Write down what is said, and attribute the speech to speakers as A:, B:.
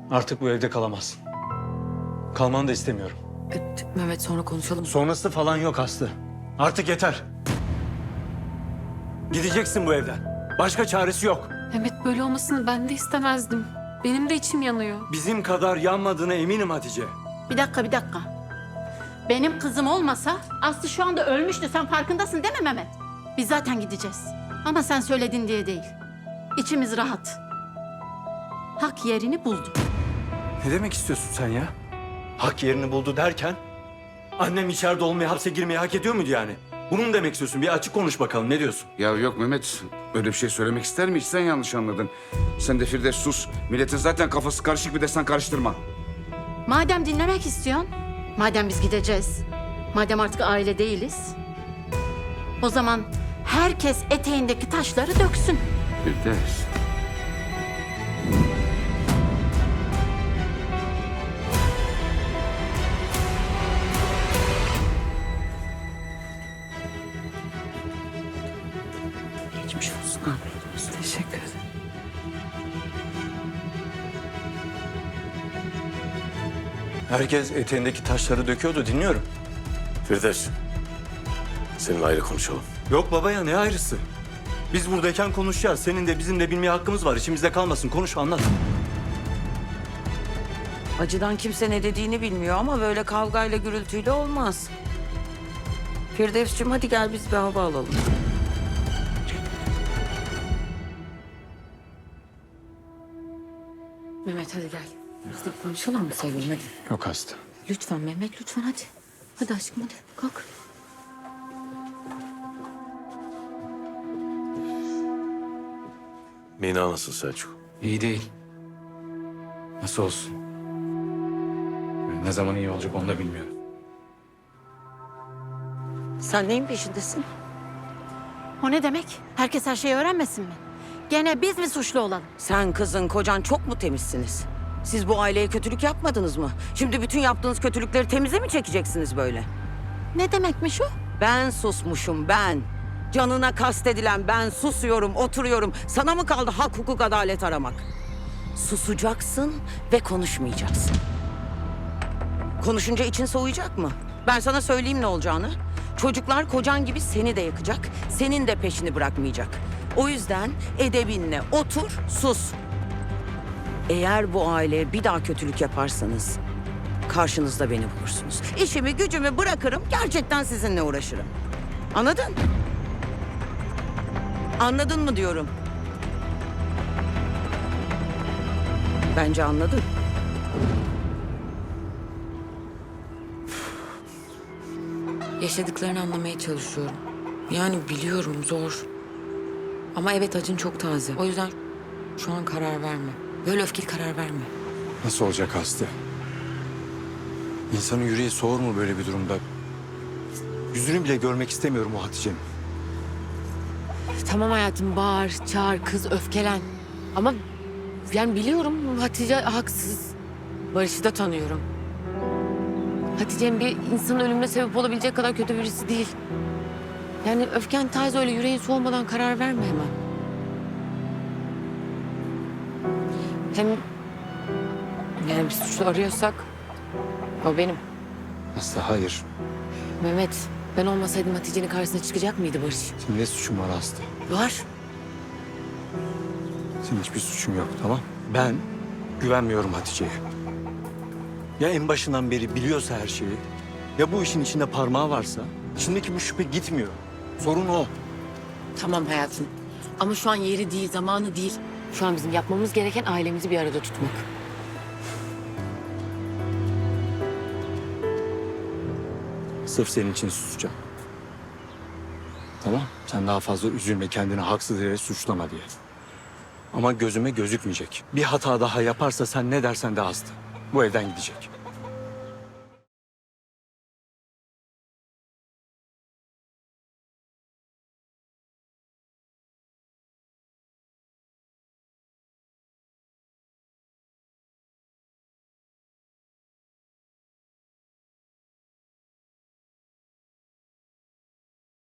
A: Artık bu evde kalamazsın. Kalmanı da istemiyorum.
B: Mehmet sonra konuşalım.
A: Sonrası falan yok Aslı. Artık yeter. Gideceksin bu evden. Başka çaresi yok.
B: Mehmet böyle olmasını ben de istemezdim. Benim de içim yanıyor.
A: Bizim kadar yanmadığına eminim Hatice.
C: Bir dakika. Benim kızım olmasa Aslı şu anda ölmüştü. Sen farkındasın değil mi Mehmet? Biz zaten gideceğiz. Ama sen söyledin diye değil. İçimiz rahat. Hak yerini buldu.
A: Ne demek istiyorsun sen ya? Hak yerini buldu derken... Annem içeride olmayı, hapse girmeyi hak ediyor muydu yani? Bunu mu demek istiyorsun? Bir açık konuş bakalım. Ne diyorsun?
D: Ya yok Mehmet, öyle bir şey söylemek ister mi hiç? Sen yanlış anladın. Sen de Firdevs sus. Milletin zaten kafası karışık, bir de sen karıştırma.
C: Madem dinlemek istiyorsun, madem biz gideceğiz, madem artık aile değiliz, o zaman herkes eteğindeki taşları döksün.
D: Firdevs.
B: Geçmiş olsun. Teşekkür ederim.
A: Herkes eteğindeki taşları döküyordu. Dinliyorum.
E: Firdevs, seninle ayrı konuşalım.
A: Yok baba ya, ne ayrısı? Biz buradayken konuşacağız. Senin de bizim de bilmeye hakkımız var. İçimizde kalmasın. Konuş, anlat.
F: Acıdan kimse ne dediğini bilmiyor ama böyle kavgayla gürültüyle olmaz. Firdevs'cığım hadi gel biz bir hava alalım.
B: Mehmet hadi gel. Biz de konuşalım mı sevgilim hadi.
A: Yok hasta.
B: Lütfen Mehmet lütfen hadi. Hadi aşkım hadi kalk.
E: Mina nasıl Selçuk?
G: İyi değil. Nasıl olsun? Ne zaman iyi olacak onu da bilmiyorum.
F: Sen neyin peşindesin?
C: O ne demek? Herkes her şeyi öğrenmesin mi? Gene biz mi suçlu olalım?
F: Sen kızın kocan çok mu temizsiniz? Siz bu aileye kötülük yapmadınız mı? Şimdi bütün yaptığınız kötülükleri temize mi çekeceksiniz böyle?
C: Ne demekmiş o?
F: Ben susmuşum ben. Canına kastedilen ben susuyorum, oturuyorum. Sana mı kaldı hak, hukuk, adalet aramak? Susacaksın ve konuşmayacaksın. Konuşunca için soğuyacak mı? Ben sana söyleyeyim ne olacağını. Çocuklar kocan gibi seni de yakacak, senin de peşini bırakmayacak. O yüzden edebinle otur, sus. Eğer bu aileye bir daha kötülük yaparsanız karşınızda beni bulursunuz. İşimi gücümü bırakırım, gerçekten sizinle uğraşırım. Anladın? Anladın mı diyorum? Bence anladın.
B: Yaşadıklarını anlamaya çalışıyorum. Yani biliyorum zor. Ama evet acın çok taze. O yüzden şu an karar verme. Böyle öfkeli karar verme.
A: Nasıl olacak Aslı? İnsanın yüreği soğur mu böyle bir durumda? Yüzünü bile görmek istemiyorum o Hatice'nin.
B: Tamam hayatım bağır, çağır, kız öfkelen. Ama yani biliyorum Hatice haksız. Barış'ı da tanıyorum. Hatice'nin bir insanın ölümüne sebep olabilecek kadar kötü birisi değil. Yani öfken taze öyle yüreğin soğumadan karar verme hemen. Hem yani bir suçlu arıyorsak o benim.
A: Aslı hayır.
B: Mehmet ben olmasaydım Hatice'nin karşısına çıkacak mıydı Barış?
A: Senin ne suçun var Aslı?
B: Var.
A: Senin hiçbir suçun yok, tamam? Ben güvenmiyorum Hatice'ye. Ya en başından beri biliyorsa her şeyi, ya bu işin içinde parmağı varsa, içindeki bu şüphe gitmiyor. Sorun o.
B: Tamam hayatım. Ama şu an yeri değil, zamanı değil. Şu an bizim yapmamız gereken ailemizi bir arada tutmak.
A: Sırf senin için susacağım. Tamam, sen daha fazla üzülme, kendini haksız yere suçlama diye. Ama gözüme gözükmeyecek. Bir hata daha yaparsa sen ne dersen de Aslı. Bu evden gidecek.